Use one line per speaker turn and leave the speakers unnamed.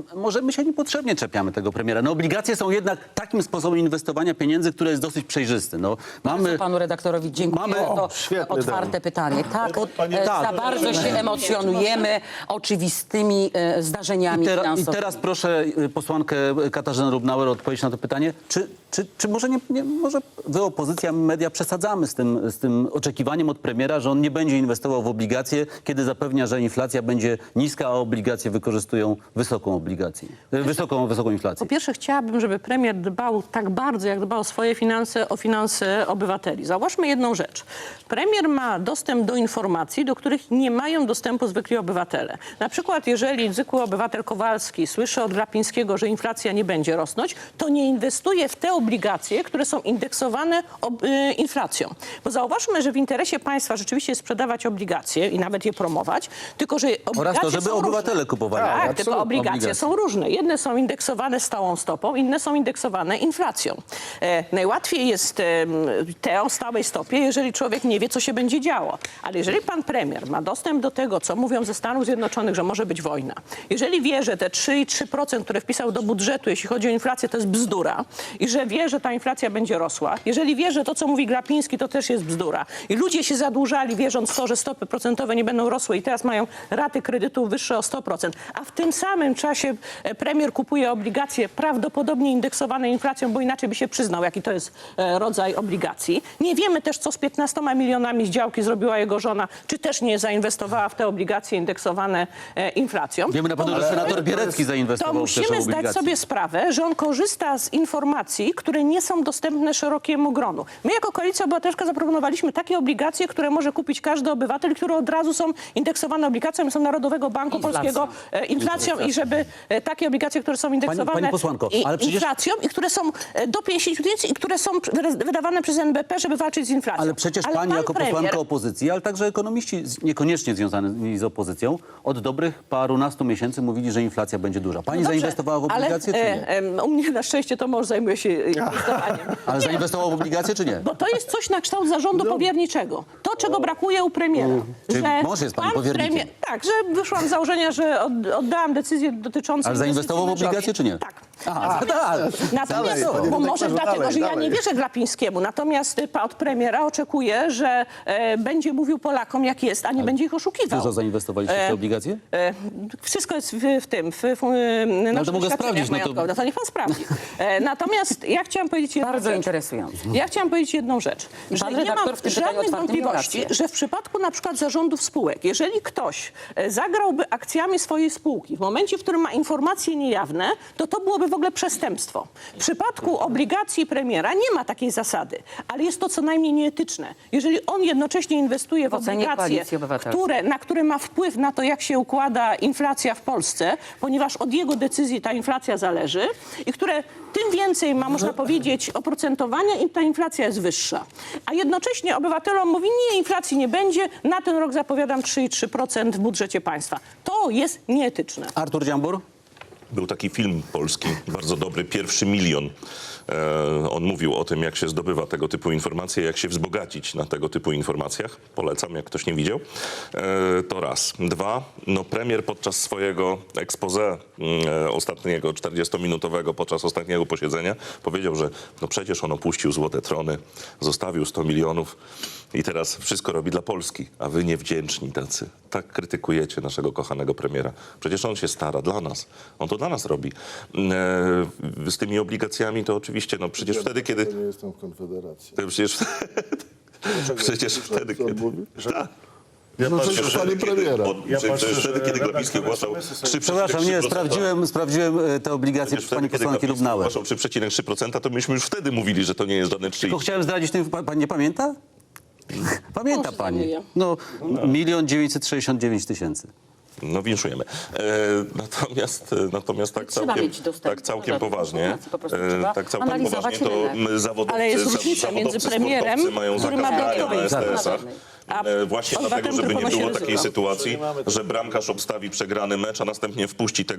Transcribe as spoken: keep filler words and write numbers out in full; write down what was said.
może my się niepotrzebnie czepiamy tego premiera. No obligacje są jednak takim sposobem inwestowania pieniędzy, który jest dosyć przejrzysty. No, mamy...
Panu redaktorowi dziękuję
Mamy-
za to
O, świetny
otwarte
temat.
pytanie. Tak,
Od-
e,
tak.
za bardzo się emocjonujemy oczywistymi e, zdarzeniami
I, tera, I
finansowymi.
teraz proszę y, posłankę Katarzynę Lubnauer o odpowiedź na to pytanie. Czy, czy, czy może, nie, nie, może wy, opozycja, media, przesadzamy z tym, z tym oczekiwaniem od premiera, że on nie będzie inwestował w obligacje, kiedy zapewnia, że inflacja będzie niska, a obligacje wykorzystują wysoką obligację, y, wysoką, wysoką inflację?
Po pierwsze, chciałabym, żeby premier dbał tak bardzo, jak dba o swoje finanse, o finanse obywateli. Zauważmy jedną rzecz. Premier ma dostęp do informacji, do których nie mają dostępu zwykli obywatele. Na przykład, jeżeli zwykły obywatel Kowalski słyszy od Glapińskiego, że inflacja nie będzie rosnąć, to nie inwestuje w te obligacje, które są indeksowane ob, y, inflacją. Bo zauważmy, że w interesie państwa rzeczywiście jest sprzedawać obligacje i nawet je promować, tylko że obligacje
Oraz to, żeby
są
obywatele
różne.
kupowali.
Tak,
absolutnie.
tylko obligacje
Obligacje.
są różne. Jedne są indeksowane stałą stopą, inne są indeksowane inflacją. E, najłatwiej jest e, te o stałej stopie, jeżeli człowiek nie wie, co się będzie działo. Ale jeżeli pan premier ma dostęp do tego, co mówią ze Stanów Zjednoczonych, że może być wojna, jeżeli wie, że te trzy i trzy procent, które wpisał do budżetu, jeśli chodzi o inflację, to jest bzdura i że wie, że ta inflacja będzie rosła, jeżeli wie, że to, co mówi Glapiński, to też jest bzdura i ludzie się zadłużali, wierząc w to, że stopy procentowe nie będą rosły i teraz mają raty kredytów wyższe o sto procent, a w tym samym czasie e, premier kupuje obligacje prawdopodobnie indeksowane inflacją, bo inaczej by się przyznał, jaki to jest e, rodzaj obligacji. Nie wiemy też, co z piętnastoma milionami z działki zrobiła jego żona, czy też nie zainwestowała w te obligacje indeksowane e, inflacją.
Wiemy na pewno, że senator Bierecki
To
zainwestował w też
musimy zdać
obligacje.
sobie sprawę, że on korzysta z informacji, które nie są dostępne szerokiemu gronu. My jako Koalicja Obywatelska zaproponowaliśmy takie obligacje, które może kupić każdy obywatel, które od razu są indeksowane obligacjami, są Narodowego Banku
Inflacja.
Polskiego e, inflacją i żeby e, takie obligacje, które są indeksowane
pani posłanko,
i,
ale przecież-
inflacją i które są e, do pięćdziesięciu tysięcy i które są wyda- wydawane przez N B P, żeby walczyć z inflacją.
Ale przecież pani
pan
jako
premier-
posłanka opozycji, ale także ekonomiści z- niekoniecznie związani z opozycją, od dobrych parunastu miesięcy mówili, że inflacja będzie duża. Pani
No dobrze,
zainwestowała w obligacje,
ale,
czy nie?
e, e, u mnie na szczęście to mąż zajmuje się inwestowaniem.
Ale zainwestował w obligacje, czy nie?
Bo to jest coś na kształt zarządu powierniczego. To, czego brakuje u premiera.
Czyli mąż jest pani
pan
powiernikiem?
tak, że wyszłam z założenia, że od, oddałam decyzję dotyczącą...
Ale zainwestował w
inwestycji
obligacje, czy nie?
Tak.
Aha, tak.
Natomiast,
Dalej,
bo
panie
może
redaktorze,
dlatego,
dalej,
że ja
dalej.
nie wierzę Glapińskiemu. Natomiast pa- od premiera oczekuję, że e, będzie mówił Polakom, jak jest, a nie będzie ich oszukiwał.
Dużo zainwestowaliście w te obligacje?
E, wszystko jest w, w tym, w, w, w naszych
to mogę
świadczeniach
sprawdzić, no to-
majątkowych. No to niech pan sprawdzi. E, natomiast ja chciałam powiedzieć jedną
Bardzo
rzecz.
interesujące.
Ja chciałam powiedzieć jedną rzecz, że
pan
nie
redaktor
mam
w tym pytaniu
żadnych
otwartym miał
wątpliwości,
rację.
że w przypadku na przykład zarządów spółek, jeżeli ktoś e, zagrałby akcjami swojej spółki w momencie, w którym ma informacje niejawne, to to byłoby w ogóle przestępstwo. W przypadku obligacji premiera nie ma takiej zasady, ale jest to co najmniej nieetyczne. Jeżeli on jednocześnie inwestuje w,
W ocenie
obligacje,
Koalicji Obywatelskiej.
które, na które ma wpływ na to, jak się układa inflacja w Polsce, ponieważ od jego decyzji ta inflacja zależy i które tym więcej ma, można powiedzieć, oprocentowania, im ta inflacja jest wyższa. A jednocześnie obywatelom mówi, nie, inflacji nie będzie, na ten rok zapowiadam trzy i trzy procent w budżecie państwa. To jest nieetyczne.
Artur Dziambur?
Był taki film polski, bardzo dobry, Pierwszy milion. E, on mówił o tym, jak się zdobywa tego typu informacje, jak się wzbogacić na tego typu informacjach. Polecam, jak ktoś nie widział. E, to raz. Dwa, no premier podczas swojego expose e, ostatniego, czterdziestominutowego, podczas ostatniego posiedzenia powiedział, że no przecież on opuścił złote trony, zostawił sto milionów i teraz wszystko robi dla Polski, a wy niewdzięczni tacy. Tak krytykujecie naszego kochanego premiera. Przecież on się stara dla nas. On to dla nas robi. E, z tymi obligacjami to oczywiście, no przecież wtedy, kiedy...
Ja nie jestem w Konfederacji.
to Przecież, przecież wtedy,
Co on
kiedy...
mówi?
Tak.
No
Przecież
przecież
wtedy,
panie
kiedy,
premiera.
bo,
Ja
przecież
patrzę,
wtedy,
że
kiedy Glapiński
redaktor
ogłaszał
S M S-y
trzy
Przepraszam, nie, sprawdziłem, sprawdziłem e, te obligacje
Przecież
pani
wtedy, kiedy
posłanki
Glapiński
Lubnauer.
ogłaszał trzy przecinek trzy procent, to myśmy już wtedy mówili, że to nie jest żadne trzy.
Tylko chciałem zdradzić, tym, pa- pani nie pamięta? Pamięta
Może
pani.
zajmuje.
No, milion dziewięćset sześćdziesiąt dziewięć tysięcy.
No winszujemy. E, natomiast, natomiast tak
Trzeba
całkiem,
mieć dostęp
tak całkiem
do
poważnie,
informacji, po prostu
e,
trzeba
tak całkiem
analizować
poważnie, to
rynek.
my zawodowcy,
Ale jest
za-
różnica między
zawodowcy,
premierem,
sportowcy mają
który ma
zakaz grania
dodatkowe
na S T
informacje.
S-ach.
A
E, Właśnie
obywatel,
dlatego, żeby
który
nie
ponosi
było
ryzyko.
takiej sytuacji, że bramkarz obstawi przegrany mecz, a następnie wpuści tego